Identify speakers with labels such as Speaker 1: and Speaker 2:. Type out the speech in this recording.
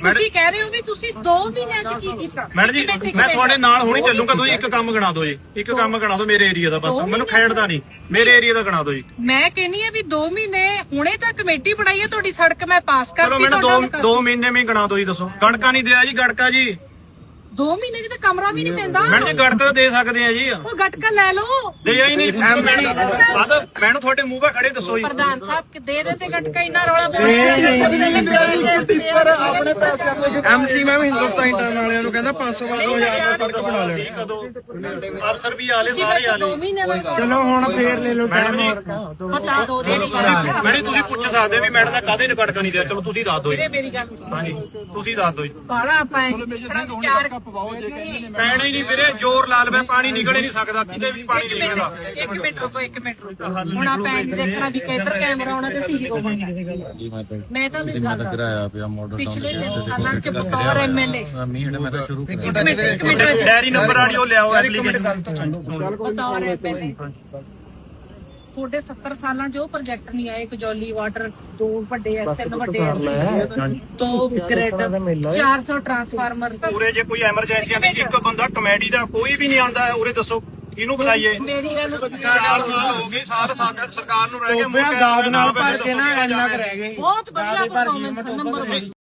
Speaker 1: ਤੁਸੀਂ ਕਹਿ ਰਹੇ ਹੋ ਵੀ ਤੁਸੀਂ 2 ਮਹੀਨਿਆਂ ਚ ਕੀ ਕੀਤਾ।
Speaker 2: ਮੈਡਮ ਜੀ ਮੈਂ ਤੁਹਾਡੇ ਨਾਲ ਹੁਣੀ ਚੱਲੂਗਾ। ਤੁਸੀਂ ਇੱਕ ਕੰਮ ਗਿਣਾ ਦਿਓ ਜੀ, ਇੱਕ ਕੰਮ ਗਿਣਾ ਦਿਓ ਮੇਰੇ ਏਰੀਆ ਦਾ, ਬਸ ਮੈਨੂੰ ਖੇਡਦਾ ਨਹੀਂ, ਮੇਰੇ ਏਰੀਆ ਦਾ ਗਿਣਾ ਦਿਓ ਜੀ।
Speaker 1: ਮੈਂ ਕਹਿੰਨੀ ਆ ਵੀ 2 ਮਹੀਨੇ ਹੁਣੇ ਤਾਂ ਕਮੇਟੀ ਬਣਾਈ ਹੈ ਤੁਹਾਡੀ, ਸੜਕ ਮੈਂ ਪਾਸ ਕਰਤੀ।
Speaker 2: ਚਲੋ ਮੈਨੂੰ 2 ਮਹੀਨੇ ਵਿੱਚ ਗਿਣਾ ਦਿਓ ਜੀ। ਦੱਸੋ ਗੜਕਾ ਨਹੀਂ ਦਿਆ ਜੀ, ਗੜਕਾ ਜੀ
Speaker 1: 2 ਮਹੀਨੇ ਚ ਤਾਂ ਕਮਰਾ ਵੀ ਨਹੀਂ ਪੈਂਦਾ।
Speaker 2: ਮੈਡਮ ਜੀ ਗੜਕਾ ਤਾਂ ਦੇ ਸਕਦੇ ਆ ਜੀ।
Speaker 1: ਉਹ ਗਟਕਾ ਲੈ ਲਓ।
Speaker 2: ਦੇ ਹੀ ਨਹੀਂ ਮੈਨੂੰ ਤੁਹਾਡੇ ਮੂੰਹ 'ਤੇ ਖੜੇ ਦੱਸੋ ਜੀ।
Speaker 1: ਪ੍ਰਧਾਨ ਸਾਹਿਬ ਦੇ ਦੇ ਤੇ ਗਟਕਾ ਇੰਨਾ ਰੌਲਾ
Speaker 3: ਐਮਸੀ ਮੈਂ ਹਿੰਦੁਸਤਾਨ ਇੰਟਰਨ ਵਾਲਿਆਂ ਨੂੰ ਕਹਿੰਦਾ 500-500 ਹਜ਼ਾਰ ਦਾ ਸੜਕ ਬਣਾ ਲੈਣ।
Speaker 2: ਅਫਸਰ ਵੀ ਆਲੇ ਸਾਰੇ ਆਲੇ।
Speaker 1: 2 ਮਹੀਨੇ ਦਾ
Speaker 3: ਚਲੋ ਹੁਣ ਫੇਰ ਲੈ ਲਓ
Speaker 2: ਮੈਡਮ ਜੀ
Speaker 1: ਪਤਾ ਦੋ ਦੇ
Speaker 2: ਮੈਡਮ ਤੁਸੀਂ ਪੁੱਛ ਸਕਦੇ ਵੀ ਮੈਡਮ ਦਾ ਕਾਹਦੇ ਨੇ ਗੜਕਾ ਨਹੀਂ ਦਿਆ। ਚਲੋ ਤੁਸੀਂ ਦੱਸ ਦਿਓ ਜੀ।
Speaker 1: ਮੇਰੀ ਗੱਲ ਸੁਣ।
Speaker 2: ਹਾਂਜੀ ਤੁਸੀਂ ਦੱਸ ਦਿਓ ਜੀ।
Speaker 1: ਬਾਲਾ ਪਾਏ
Speaker 2: ਪੈਣਾ ਹੀ ਨਹੀਂ ਵੀਰੇ, ਜ਼ੋਰ ਲਾ ਲਵੇ ਪਾਣੀ ਨਿਕਲ ਹੀ ਨਹੀਂ ਸਕਦਾ, ਕਿਤੇ ਵੀ ਪਾਣੀ ਨਹੀਂ ਨਿਕਲਦਾ।
Speaker 1: 1 ਮਿੰਟ ਰੁਕੋ, 1 ਮਿੰਟ ਰੁਕੋ। ਹੁਣ ਆਪਾਂ ਐਂ ਦੇਖਣਾ ਵੀ ਕਿੱਧਰ ਕੈਮਰਾ ਆਉਣਾ ਤੇ ਸੀਸੀ ਹੋਵਾਂਗਾ। ਮੈਂ ਤਾਂ ਨਹੀਂ ਗੱਲ
Speaker 4: ਕਰਾਇਆ ਪਿਆ ਮਾਡਲ
Speaker 1: ਪਿਛਲੇ ਸਾਲਾਂ ਚ ਬਤੌਰ ਐਮਐਲਏ
Speaker 4: ਮੈਂ ਤਾਂ ਸ਼ੁਰੂ
Speaker 2: ਡੈਰੀ ਨੰਬਰ ਵਾਲੀ ਉਹ ਲਿਆਓ ਐਪਲੀਕੇਸ਼ਨ।
Speaker 1: ਬਤੌਰ ਐਮਐਲਏ ਤੁਹਾਡੇ 70 ਸਾਲਾਂ ਚ ਉਹ ਪ੍ਰੋਜੈਕਟ ਨਹੀਂ ਆਏ। ਕਜੌਲੀ ਵਾਟਰ 2 ਵੱਡੇ ਐ, 3 ਵੱਡੇ ਐ, 2 ਗ੍ਰਿਡ, 400 ਟਰਾਂਸਫਾਰਮਰ।
Speaker 2: ਪੂਰੇ ਜੇ ਕੋਈ ਐਮਰਜੈਂਸੀਆਂ ਦੀ ਇੱਕ ਬੰਦਾ ਕਮੇਡੀ ਦਾ ਕੋਈ ਵੀ ਨਹੀਂ ਆਂਦਾ, ਉਰੇ ਦੱਸੋ ਕਿਹਨੂੰ ਬੁਲਾਈਏ।
Speaker 1: ਮੇਰੀ ਗੱਲ
Speaker 2: 4 ਸਾਲ ਹੋ ਗਏ, ਸਰਕਾਰ ਨੂੰ ਰਹਿ ਗਏ
Speaker 3: ਦਾਦ ਨਾਲ ਭਰ ਕੇ ਨਾ ਇੰਨਾ ਕੁ ਰਹਿ ਗਏ।
Speaker 1: ਬਹੁਤ ਵਧੀਆ ਪਰਫਾਰਮੈਂਸ ਨੰਬਰ 1।